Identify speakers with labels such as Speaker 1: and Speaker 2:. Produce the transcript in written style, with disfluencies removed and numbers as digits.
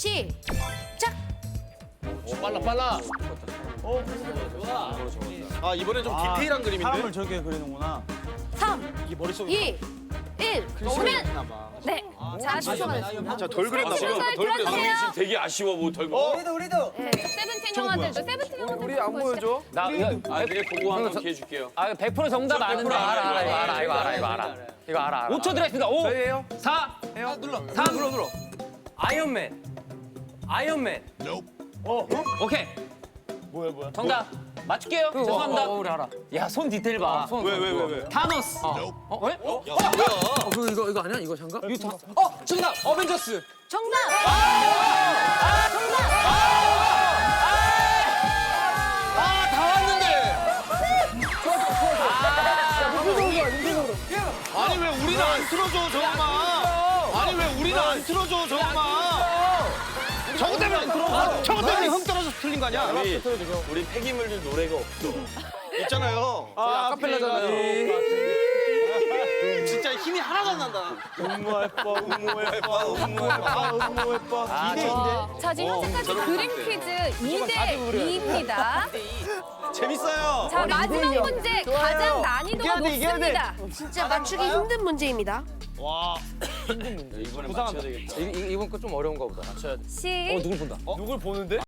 Speaker 1: 시작.
Speaker 2: 빨라.
Speaker 3: 아 이번엔 좀 디테일한 그림인데.
Speaker 4: 사람을 저렇게 그리는구나.
Speaker 1: 3,
Speaker 3: 이게 머릿속에
Speaker 1: 2, 1. 오면 네. 자, 주소가 됐습니다.
Speaker 3: 자덜 그렸나
Speaker 1: 지금
Speaker 3: 봐.
Speaker 1: 덜 그렸어요.
Speaker 2: 지금 되게 아쉬워 뭐 덜고.
Speaker 1: 네. 세븐틴 형아들도 세븐틴 형아들.
Speaker 5: 우리 안 보여줘?
Speaker 2: 나 되게 보고 한번 기회 줄게요.
Speaker 6: 100% 정답 아는데. 이거 알아. 5초 드리겠습니다. 5,
Speaker 5: 저희예요?
Speaker 6: 4,
Speaker 5: 해요? 눌러.
Speaker 6: 3,
Speaker 5: 눌러. 아이언맨.
Speaker 6: 오케이.
Speaker 3: 뭐야?
Speaker 6: 정답 맞출게요. 죄송합니다.
Speaker 5: 우리 알아.
Speaker 6: 야, 손 디테일 봐.
Speaker 3: 왜?
Speaker 6: 타노스. 왜?
Speaker 5: 이거 아니야? 이거 장갑?
Speaker 6: 정답. 어벤져스.
Speaker 1: 정답.
Speaker 3: 다 왔는데. 아니 왜 우리는 안 틀어줘 저것만. 아니 왜 우리는 안 틀어줘 저것만. 저것 때문에 흥 떨어져서 틀린 거 아니야?
Speaker 2: 우리 폐기물들 노래가 없어.
Speaker 3: 있잖아요.
Speaker 5: 아카펠라잖아요.
Speaker 3: 진짜 힘이 하나도 안 난다. 디데이인데.
Speaker 1: 자, 지금 현재까지 그림 퀴즈 2대 2입니다.
Speaker 3: 재밌어요.
Speaker 1: 자, 마지막 문제 가장 난이도가 높습니다. 진짜 맞추기 힘든 문제입니다.
Speaker 3: 와.
Speaker 2: 이번에 맞춰야 되겠다.
Speaker 5: 이번 거 좀 어려운가 보다.
Speaker 1: 시
Speaker 5: 누굴 본다?
Speaker 3: 누굴 보는데?